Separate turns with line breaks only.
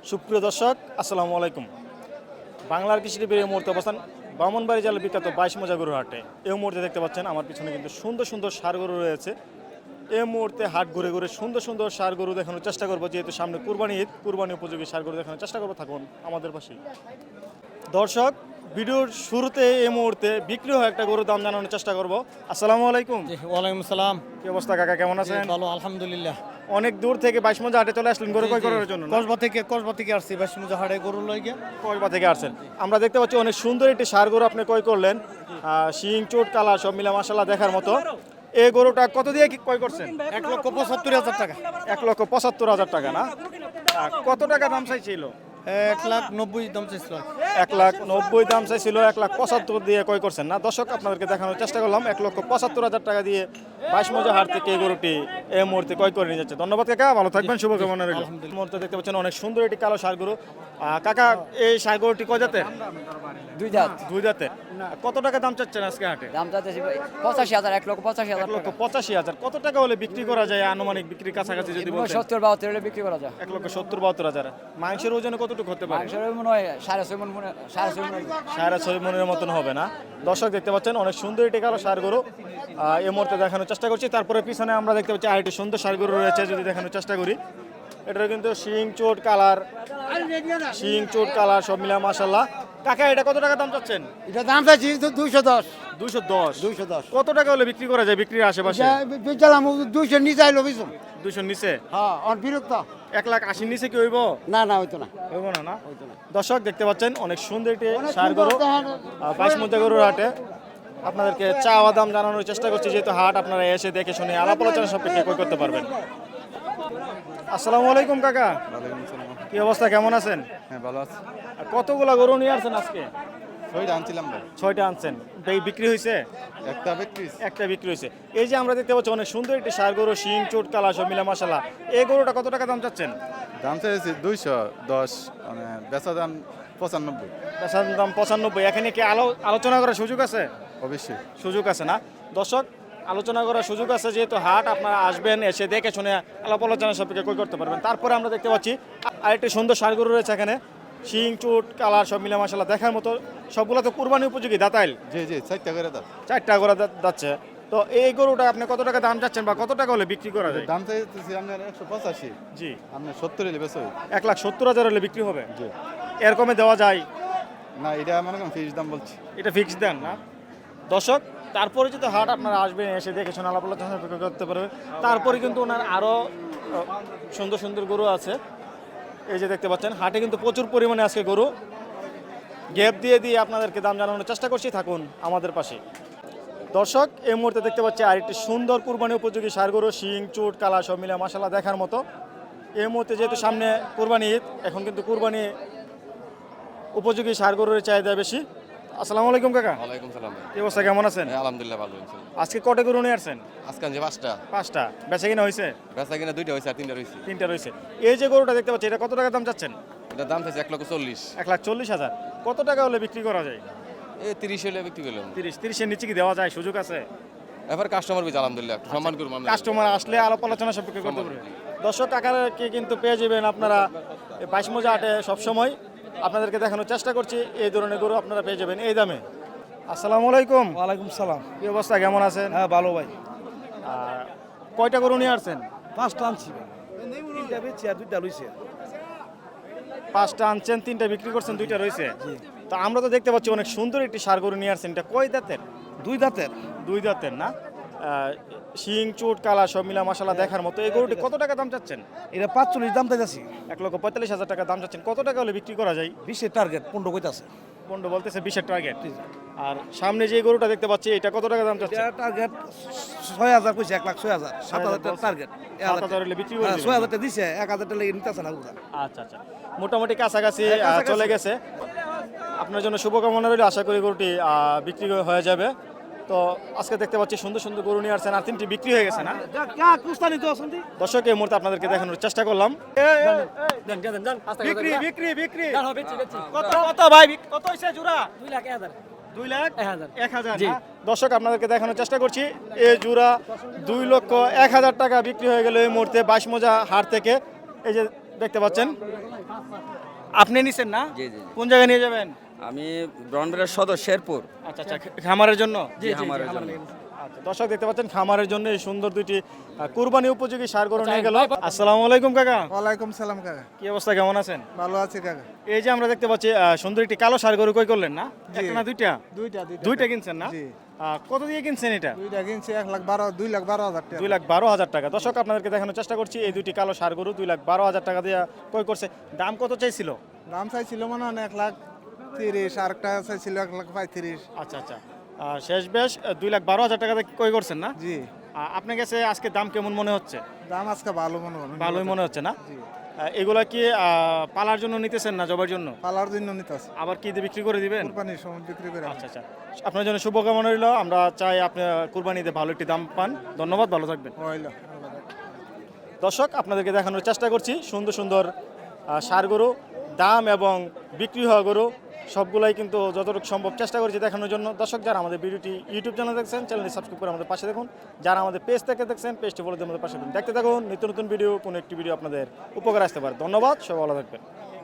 সুপ্রিয় দর্শক আসসালামু আলাইকুম। বাংলার কৃষিটিভির এই মুহূর্তে অবস্থান ব্রাহ্মণবাড়ি জেলার বিখ্যাত 22 মৌজা গরুর হাটে। এই মুহূর্তে দেখতে পাচ্ছেন আমার পিছনে কিন্তু সুন্দর সুন্দর ষাঁড় গরু রয়েছে। এই মুহূর্তে হাট ঘুরে ঘুরে সুন্দর সুন্দর ষাঁড় গরু দেখানোর চেষ্টা করবো, যেহেতু সামনে কুরবানি ঈদ, কুরবানি উপযোগী ষাঁড় গরু দেখানোর চেষ্টা করবো। থাকুন আমাদের পাশেই। দর্শক, ভিডিওর শুরুতে এই মুহূর্তে বিক্রি হয় একটা গরুর দাম জানানোর চেষ্টা করবো। আসসালামু আলাইকুম।
ওয়ালাইকুম আসসালাম।
কি অবস্থা কাকা, কেমন আছেন?
ভালো আলহামদুলিল্লাহ।
অনেক দূর থেকে 22 মৌজা হাটে চলে আসলেন গরু ক্রয় করার জন্য না?
কসবা থেকে আসছি 22 মৌজা হাটে গরু লইগে।
কসবা থেকে আসছেন। আমরা দেখতে পাচ্ছি অনেক সুন্দর একটি ষাঁড় গরু আপনি ক্রয় করলেন, শিং চোট কালার সব মিলা মাশাআল্লাহ দেখার মতো। এই গরুটা কত দিয়ে কি ক্রয় করছেন?
1,75,000 টাকা।
1,75,000 টাকা না? কত টাকা দাম চাইছিল?
1,90,000 দাম চাইছিল।
1,90,000 দাম চাইছিল, 1,75,000 দিয়ে ক্রয় করছেন না? দর্শক, আপনাদেরকে দেখানোর চেষ্টা করলাম 1,75,000 টাকা দিয়ে 22 মৌজা হাট থেকে এই গরুটি এই মুহূর্তে ক্রয় করে নিয়ে যাচ্ছে। ধন্যবাদ কাকা, ভালো থাকবেন, শুভকামনা রইল। এই মুহূর্তে দেখতে পাচ্ছেন অনেক সুন্দর একটি কালো ষাঁড় গরু। কাকা, এই ষাঁড় গরুটি কয় জাতের?
দুই দাঁত।
দুই জাতের। কত টাকা দাম চাচ্ছেন আজকে হাটে?
দাম চাইতেছি 85,000, 1,85,000 টাকা।
1,85,000। কত টাকা হলে বিক্রি করা যায় আনুমানিক, বিক্রির কাছাকাছি যদি বলতেন?
70-72 হলে বিক্রি করা যায়।
1,70,000-72,000। মাংসের ওজনে কতটুকু হতে পারে?
মাংসের মনে হয় 6.5 মণ, 6.5 মণ।
6.5 মনের মতন হবে না? দর্শক, দেখতে পাচ্ছেন অনেক সুন্দর একটি কালো ষাঁড় গরু এই মুহূর্তে দেখানোর চেষ্টা করছি। তারপরে পিছনে আমরা দেখতে পাচ্ছি আরেকটি সুন্দর ষাঁড় গরু রয়েছে, যদি দেখানোর চেষ্টা করি। এটা কিন্তু শিং চোট কালার সব মিলা মাশাআল্লাহ। কাকা, এটা কত টাকা দাম চাচ্ছেন?
এটা দাম চাইছি 210।
210। কত টাকা হলে বিক্রি করা যায় বিক্রির আশেপাশে?
বেচালাম 200 নিচে আইলো বিছুন।
200 নিচে?
হ্যাঁ, আর বিরক্ত।
1,80,000 নিচে কি হইব?
না হইতো না।
হইব না? দর্শক, দেখতে পাচ্ছেন অনেক সুন্দর একটি ষাঁড় গরু 22 মৌজা গরুর হাটে। আপনাদেরকে চাওয়া দাম জানানোর চেষ্টা করছি, যেহেতু হাট আপনারা এসে দেখে শুনে আলাপ আলোচনা সাপেক্ষে ক্রয় করতে পারবেন। আসসালামু আলাইকুম কাকা। কি অবস্থা, কেমন আছেন?
হ্যাঁ, ভালো আছে।
কতগুলা গরু নিয়ে আসছেন আজকে?
6টা আনছিলাম ভাই।
6টা আনছেন। বিক্রি হয়েছে? একটা বিক্রি হয়েছে। এই যে আমরা দেখতে পাচ্ছি অনেক সুন্দর একটি ষাঁড় গরু, শিং চোট কালা সব মিলা মাশাআল্লাহ। এই গরুটা কত টাকা দাম চাচ্ছেন?
দাম চাইছি 210, মানে বেচা দাম 95।
বেচার দাম 95। এখানে কি আলোচনা করার সুযোগ আছে?
অবশ্যই
সুযোগ আছে না? দর্শক, আলোচনা করার সুযোগ আছে, যেহেতু হাট আপনারা আসবেন, এসে দেখে শুনে আলাপ আলোচনা সাপেক্ষে ক্রয় করতে পারবেন। তারপরে আমরা দেখতে পাচ্ছি আরেকটি সুন্দর ষাঁড় গরু রয়েছে এখানে, শিং চুট কালার সব মিলা মাশাআল্লাহ দেখার মতো। সবগুলো তো কুরবানি উপযোগী দাতাইল।
জি 4টা করে দাম।
4টা করে যাচ্ছে। তো এই গরুটা আপনি কত টাকা দাম চাচ্ছেন বা কত টাকা হলে বিক্রি করা যায়?
দাম চাইতেছি আপনার 185।
জি।
আপনার 70 হলে বেচো।
1,70,000 হলে বিক্রি হবে?
জি।
এর কমে দেওয়া যায়
না, এটা মনে করেন ফিক্স দাম বলছি।
এটা ফিক্স দেন না? দর্শক, তারপরে যদি হাট আপনারা আসবেন, এসে দেখে শোনা আলাপ আলোচনা করতে পারবেন। তারপরে কিন্তু ওনার আরও সুন্দর সুন্দর গরু আছে। এই যে দেখতে পাচ্ছেন হাটে কিন্তু প্রচুর পরিমাণে আজকে গরু। গ্যাপ দিয়ে আপনাদেরকে দাম জানানোর চেষ্টা করছি, থাকুন আমাদের পাশে। দর্শক, এই মুহূর্তে দেখতে পাচ্ছি আরেকটি সুন্দর কুরবানি উপযোগী ষাঁড় গরু, শিং চুট কালা সব মিলা মাশাআল্লাহ দেখার মতো। এই মুহূর্তে যেহেতু সামনে কুরবানি ঈদ, এখন কিন্তু কুরবানি উপযোগী ষাঁড় গরুর চাহিদা বেশি। আসসালামু আলাইকুম কাকা।
ওয়ালাইকুম সালাম।
কি অবস্থা, কেমন আছেন?
হ্যাঁ, আলহামদুলিল্লাহ ভালো আছি।
আজকে কটা গরু নিয়ে আসছেন?
আজকে আনছি 5টা।
5টা। বেচা কিনা হয়েছে?
বেচা কিনা 2টা হয়েছে আর 3টা রয়েছে।
3টা রয়েছে। এই যে গরুটা দেখতে পাচ্ছি, এটা কত টাকা দাম চাচ্ছেন?
এটা দাম চাইছে 1,40,000।
1,40,000। কত টাকা হলে বিক্রি করা যায়?
এই 30 হলে বিক্রি করলাম।
30-30-এর নিচে কি দেওয়া যায়? সুযোগ আছে?
এবার কাস্টমার বেশ আলহামদুলিল্লাহ একটু সম্মান করুন।
কাস্টমার আসলে আলাপ আলোচনা সাপেক্ষে করতে পারবে। দর্শক, কাকাকে কিন্তু পেয়ে যাবেন আপনারা 22 মৌজা হাটে সবসময়। আপনাদেরকে দেখানোর চেষ্টা করছি এই ধরনের গরু আপনারা পেয়ে যাবেন এই দামে। আসসালামু আলাইকুম।
ওয়ালাইকুম সালাম।
কি অবস্থা, কেমন আছেন?
হ্যাঁ, ভালো ভাই।
কয়টা গরু নিয়ে আসছেন?
5টা আনছি। 3টা বেচছি আর 2টা লইছে।
5টা আনছেন, 3টা বিক্রি করছেন, 2টা রয়েছে। তো আমরা তো দেখতে পাচ্ছি অনেক সুন্দর একটি ষাঁড় গরু নিয়ে আসছেন। এটা কয় দাঁতের?
2 দাঁতের।
2 দাঁতের না? শিং চুট কালা সব মিলা মাশাআল্লাহ দেখার মতো। এই গরুটি কত টাকা দাম চাচ্ছেন?
এটা 45 দাম চাইছি।
1,45,000 টাকা দাম চাচ্ছেন। কত টাকা হলে বিক্রি করা যায়?
20 এর টার্গেট, 15 কইতাছে।
15 বলতেছে, 20-এর টার্গেট। আর সামনে যে গরুটা দেখতে পাচ্ছি, এটা কত টাকা দাম চাচ্ছেন?
এটা টার্গেট 6,000 কইছে, 1,06,000। 7,000 টার্গেট।
7,000 হলে বিক্রি করে দিবেন?
6,000 দিছে, 1,000 টাকা লাগি নিতেছে না ওটা।
আচ্ছা। মোটামুটি কাছাকাছি চলে গেছে। আপনার জন্য শুভকামনা রইল। আশা করি গরুটি বিক্রি হয়ে যাবে। তো আজকে দেখতে পাচ্ছি সুন্দর সুন্দর গরু নিয়ে আসছেন, আর 3টি বিক্রি হয়ে গেছে না? দর্শক, এই মুহূর্তে আপনাদেরকে দেখানোর চেষ্টা করলাম। বিক্রি কত ভাই, কত হইছে জোড়া? 2,01,000। দর্শক, আপনাদেরকে দেখানোর চেষ্টা করছি এই জোড়া 2,01,000 টাকা বিক্রি হয়ে গেল এই মুহূর্তে 22 মৌজা হাট থেকে। এই যে দেখতে পাচ্ছেন আপনি নিছেন না?
জি, জি, জি।
কোন জায়গায় নিয়ে যাবেন?
আমি ব্রহ্মপুরের সদর শেরপুর।
আচ্ছা আচ্ছা, খামারের জন্য?
জি, খামারের জন্য।
আচ্ছা, দর্শক দেখতে পাচ্ছেন খামারের জন্য এই সুন্দর দুইটি কুরবানি উপযোগী ষাঁড় গরু নিয়ে গেল। আসসালামু আলাইকুম কাকা,
ওয়ালাইকুম সালাম কাকা,
কি অবস্থা, কেমন আছেন?
ভালো আছি কাকা।
এই যে আমরা দেখতে পাচ্ছি সুন্দর একটি কালো ষাঁড় গরু কই করলেন না? একটা না দুইটা?
দুইটা
দুইটা কিনছেন না?
জি।
কত দিয়ে কিনছেন এটা?
দুইটা কিনছি 2,12,000 টাকা।
2,12,000 টাকা। দর্শক আপনাদেরকে দেখানোর চেষ্টা করছি এই দুইটি কালো ষাঁড় গরু 2,12,000 টাকা দিয়ে ক্রয় করছে। দাম কত চাইছিল?
দাম চাইছিল মনে হয় 1,30,000, আরেকটা চাইছিল 1,35,000।
আচ্ছা আচ্ছা, শেষ বেশ 2,12,000 টাকা দিয়ে ক্রয় করছেন না?
জি।
আপনার কাছে আজকে দাম কেমন মনে হচ্ছে?
দাম আজকে ভালো মনে হয়।
ভালোই মনে হচ্ছে না?
জি।
এগুলা কি পালার জন্য নিতেছেন না জবার জন্য?
পালার জন্য নিতে আছে,
আবার কি দিয়ে বিক্রি করে দিবেন?
কুরবানির সময় বিক্রি করে।
আচ্ছা আচ্ছা, আপনার জন্য শুভকামনা রইল। আমরা চাই আপনি কুরবানিতে ভালো একটি দাম পান। ধন্যবাদ, ভালো থাকবেন।
হইলো।
দর্শক আপনাদেরকে দেখানোর চেষ্টা করছি সুন্দর সুন্দর ষাঁড় গরু, দাম এবং বিক্রি হওয়া গরু সবগুলাই কিন্তু যতটুকু সম্ভব চেষ্টা করছি দেখানোর জন্য। দর্শক যারা আমাদের ভিডিওটি ইউটিউব চ্যানেল দেখছেন, চ্যানেলটি সাবস্ক্রাইব করে আমাদের পাশে দেখুন। যারা আমাদের পেজ থেকে দেখছেন, পেজটি ফলো দিয়ে আমাদের পাশে দেখুন। দেখতে থাকুন নিত্য নতুন ভিডিও, কোনো একটি ভিডিও আপনাদের উপকার আসতে পারে। ধন্যবাদ, সবাই ভালো থাকবেন।